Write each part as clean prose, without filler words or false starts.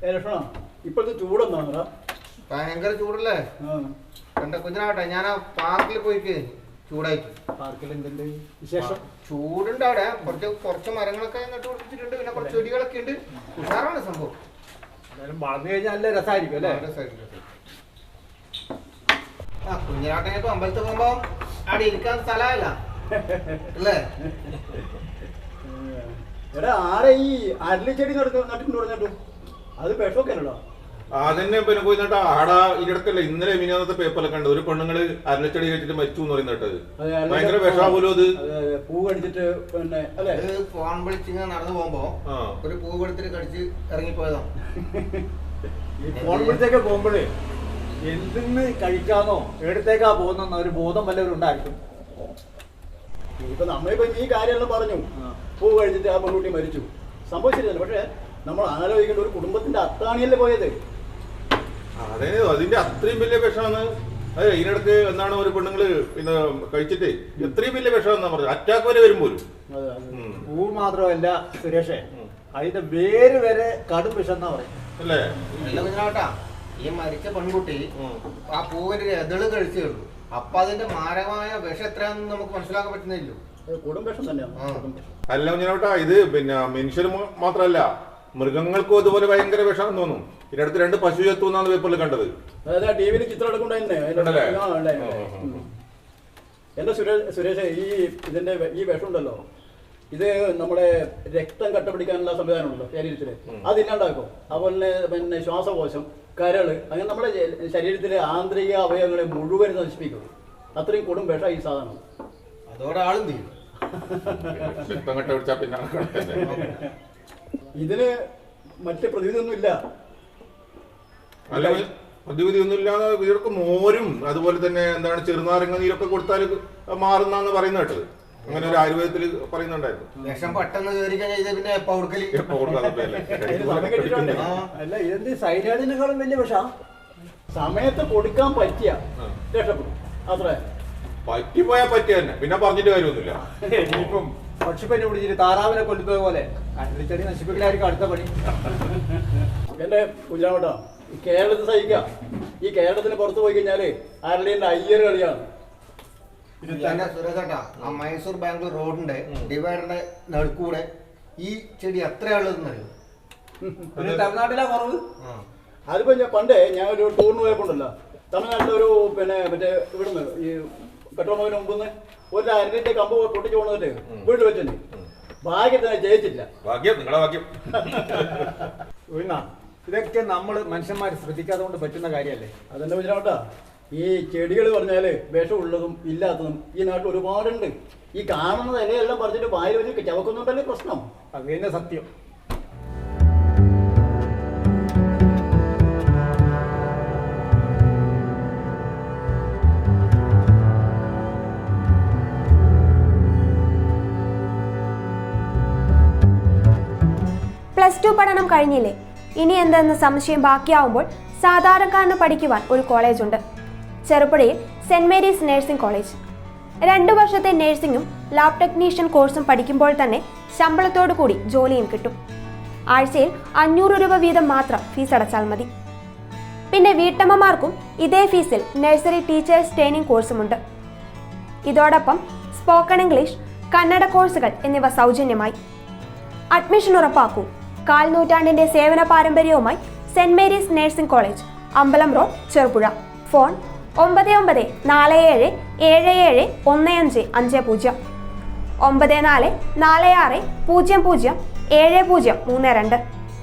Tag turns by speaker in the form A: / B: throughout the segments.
A: ലക്ഷണോ ഇപ്പോഴത്തെ ചൂടെന്താ?
B: ഭയങ്കര ചൂടല്ലേ? എന്റെ കുഞ്ഞിനാവട്ടെ, ഞാൻ ആ പാർക്കിൽ പോയിട്ട് ചൂടായിട്ട്.
A: പാർക്കിൽ എന്തുണ്ട് വിശേഷം?
B: ചൂടുണ്ട് അവിടെ. കുറച്ച് മരങ്ങളൊക്കെ നട്ടു പിടിപ്പിച്ചിട്ടുണ്ട്. പിന്നെ കുറച്ച് ചെടികളൊക്കെ ഉണ്ട്. ഉഷാറാണ് സംഭവം.
A: വളർന്നു കഴിഞ്ഞാൽ നല്ല രസമായിരിക്കും അല്ലേ?
B: ആ കുഞ്ഞിനാട്ടെ ഇപ്പൊ അമ്പലത്തിൽ പോകുമ്പോ അവിടെ ഇരിക്കാൻ സ്ഥലമല്ല അല്ലേ?
A: എടാ ആരെ ഈ അരളിച്ചെടി നട്ടിട്ടുണ്ട് പറഞ്ഞിട്ടു? അത് വിഷമൊക്കെ അല്ലല്ലോ.
C: അതന്നെ പിന്നെ പോയി നട്ടാ ആടാ ഇടക്കല്ലേ ഇന്നലെ മിനിയാന്നത്തെ പേപ്പറിലൊക്കെ കണ്ടത് ഒരു പെണ്ണുങ്ങള് അരളിച്ചെടി കഴിച്ചിട്ട് മരിച്ചു എന്ന് പറയുന്ന കേട്ടത്. ഭയങ്കര വിഷാപോലും അത്.
A: പൂ കടിച്ചിട്ട് പിന്നെ അല്ലെ
B: ഫോൺ വിളിച്ചിങ്ങനെ നടന്നു പോകുമ്പോ ഒരു പൂ എടുത്തിട്ട് കടിച്ച് ഇറങ്ങിപ്പോയതാ.
A: ഈ ഫോൺ വിളിച്ചൊക്കെ പോകുമ്പോഴേ എന്തിന്ന് കഴിക്കാന്നോ എടുത്തേക്കാ പോകുന്ന ഒരു ബോധം വല്ലവരും ഉണ്ടായിരിക്കും. ഇപ്പൊ നമ്മളിപ്പോ ഈ കാര്യമെല്ലാം പറഞ്ഞു, പൂ കഴിച്ചിട്ട് ആ പെൺകുട്ടി മരിച്ചു, സംഭവിച്ചിരുന്നില്ല. പക്ഷെ നമ്മൾ ആലോചിക്കേണ്ട ഒരു കുടുംബത്തിന്റെ അത്താണിയല്ലേ പോയത്.
C: അതെ, അതിന്റെ അത്രയും വലിയ വിഷമാണ്. അതെ, ഇതിനിടക്ക് എന്താണ് ഒരു പെണ്ണുങ്ങള് പിന്നെ കഴിച്ചിട്ട് എത്രയും വലിയ വിഷമെന്നാ പറഞ്ഞത്, അറ്റാക്ക് വരെ വരും പോലും.
A: പൂ മാത്രമല്ല സുരേഷേ, അതിന്റെ വേര് വരെ കടും വിഷം എന്നാ പറയും
C: അല്ലേ?
B: ഈ മരിച്ച പെൺകുട്ടി ആ പൂവിന്റെ എതള് കഴിച്ചേ ഉള്ളൂ. അപ്പൊ അതിന്റെ മാരകമായ വിഷം എത്രയാണെന്ന് നമുക്ക് മനസ്സിലാക്കാൻ പറ്റുന്നില്ലല്ലോ.
A: കൊടും വിഷം തന്നെയാണ്.
C: അല്ല കുഞ്ഞിനോട്ടാ, ഇത് പിന്നെ മനുഷ്യർ മാത്രമല്ല മൃഗങ്ങൾക്കും അതുപോലെ ഭയങ്കര വിഷമാണെന്ന് തോന്നുന്നു. ഇതിനടുത്ത് 2 പശു ചത്തു എന്നാണ് പേപ്പറിൽ കണ്ടത്.
A: അതായത് ടിവിയിൽ ചിത്രം എടുക്കണ്ടേ. എന്റെ സുരേഷ്, ഇതിന്റെ ഈ വിഷം ഉണ്ടല്ലോ, ഇത് നമ്മുടെ രക്തം കട്ടപിടിക്കാനുള്ള സംവിധാനമുണ്ടല്ലോ ശരീരത്തില്, അതില്ലാണ്ടാക്കും. അതുപോലെ പിന്നെ ശ്വാസകോശം, കരള്, അങ്ങനെ നമ്മുടെ ശരീരത്തിലെ ആന്തരിക അവയവങ്ങളെ മുഴുവൻ നശിപ്പിക്കും. അത്രയും കൊടും വിഷം ഈ സാധനം.
B: അതോടെ ആളും തീരും.
A: ഇതിന് മറ്റ് പ്രതിവിധിയൊന്നും ഇല്ല.
C: അല്ല, പ്രതിവിധി ഒന്നും ഇല്ലാതെ ഇവർക്ക് മോരും അതുപോലെ തന്നെ എന്താണ് ചെറുനാരങ്ങ നീരൊക്കെ കൊടുത്താൽ മാറുന്നാന്ന് പറയുന്ന കേട്ടത്. അങ്ങനെ ഒരു ആയുർവേദത്തിൽ പറയുന്നുണ്ടായിരുന്നു.
B: വിഷം പെട്ടെന്ന് കയറി കഴിഞ്ഞാൽ പിന്നെ
A: അല്ല, ഇതെന്ത് സൈനാഡിനേക്കാളും വലിയ വിഷ. സമയത്ത് കൊടുക്കാൻ പറ്റിയ രക്ഷപ്പെടും. അത്ര
C: പറ്റിപ്പോയാ പറ്റിയ തന്നെ, പിന്നെ പറഞ്ഞിട്ട് കാര്യമൊന്നുമില്ല.
A: ഇനിയിപ്പം പക്ഷിപ്പനി പിടിച്ചിട്ട് താറാവിനെ കൊല്ലുന്നത് പോലെ ചെടി നശിപ്പിക്കലായിരിക്കും അടുത്ത പണി. എന്റെ കുഞ്ഞാവട്ടോ, ഈ കേരളത്തിൽ സഹിക്കാം. ഈ കേരളത്തിന് പുറത്ത് പോയി കഴിഞ്ഞാല് അരളിന്റെ അയ്യർ കളിയാണ്.
B: സുരേഷേട്ടാ, ആ മൈസൂർ ബാംഗ്ലൂർ റോഡിന്റെ ഡിവൈഡറിന്റെ നടുക്കൂടെ ഈ ചെടി എത്രയാളുള്ളതെന്ന് അറിയോ?
A: തമിഴ്നാട്ടിലാ കുറവ്. അതിപ്പോ പണ്ടേ ഞാൻ ഒരു ടൂറിന് പോയപ്പോണ്ടല്ലോ, തമിഴ്നാട്ടിലൊരു പിന്നെ മറ്റേ ഇവിടുന്ന് ഈ പെട്രോൾ പമ്പിന് മുമ്പ് ഒരു അരളിന്റെ കമ്പ് പൊട്ടിച്ചു കൊണ്ടിട്ട് വീട്ടിൽ വെച്ചിട്ടുണ്ട്. ഭാഗ്യത്തിന് ജയിച്ചില്ല.
C: നിങ്ങളുടെ ഭാഗ്യം.
A: ഇതൊക്കെ നമ്മൾ മനുഷ്യന്മാർ ശ്രദ്ധിക്കാതെ കൊണ്ട് പറ്റുന്ന കാര്യമല്ലേ? അതെന്നെ കുഞ്ഞാവട്ടാ, ഈ ചെടികൾ പറഞ്ഞാല് വിഷമുള്ളതും ഇല്ലാത്തതും ഈ നാട്ടിൽ ഒരുപാടുണ്ട്. ഈ കാണുന്ന ഇലയെല്ലാം പറിച്ചിട്ട് വായിൽ വെച്ച് ചവക്കുന്നുണ്ടല്ലേ പ്രശ്നം. അത് തന്നെ സത്യം.
D: +2 പഠനം കഴിഞ്ഞില്ലേ? ഇനി എന്തെന്ന് സംശയം ബാക്കിയാവുമ്പോൾ സാധാരണക്കാരന് പഠിക്കുവാൻ ഒരു കോളേജുണ്ട്. ചെറുപുഴയിൽ സെന്റ് മേരീസ് നഴ്സിംഗ് കോളേജ്. 2 വർഷത്തെ നഴ്സിംഗും ലാബ് ടെക്നീഷ്യൻ കോഴ്സും പഠിക്കുമ്പോൾ തന്നെ ശമ്പളത്തോടു കൂടി ജോലിയും കിട്ടും. ആഴ്ചയിൽ 500 രൂപ വീതം മാത്രം ഫീസ് അടച്ചാൽ മതി. പിന്നെ വീട്ടമ്മമാർക്കും ഇതേ ഫീസിൽ നഴ്സറി ടീച്ചേഴ്സ് ട്രെയിനിങ് കോഴ്സുമുണ്ട്. ഇതോടൊപ്പം സ്പോക്കൺ ഇംഗ്ലീഷ്, കന്നഡ കോഴ്സുകൾ എന്നിവ സൗജന്യമായി. അഡ്മിഷൻ ഉറപ്പാക്കൂ. 1/4 നൂറ്റാണ്ടിന്റെ സേവന പാരമ്പര്യവുമായി സെന്റ് മേരീസ് നഴ്സിംഗ് കോളേജ്, അമ്പലം road, Cherupuzha. Phone 9947771550, 9446007032,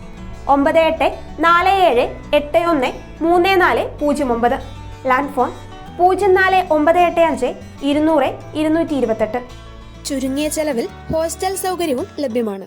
D: 9847813409. Land phone 04985 200 228. ചുരുങ്ങിയ ചെലവിൽ ഹോസ്റ്റൽ സൗകര്യവും ലഭ്യമാണ്.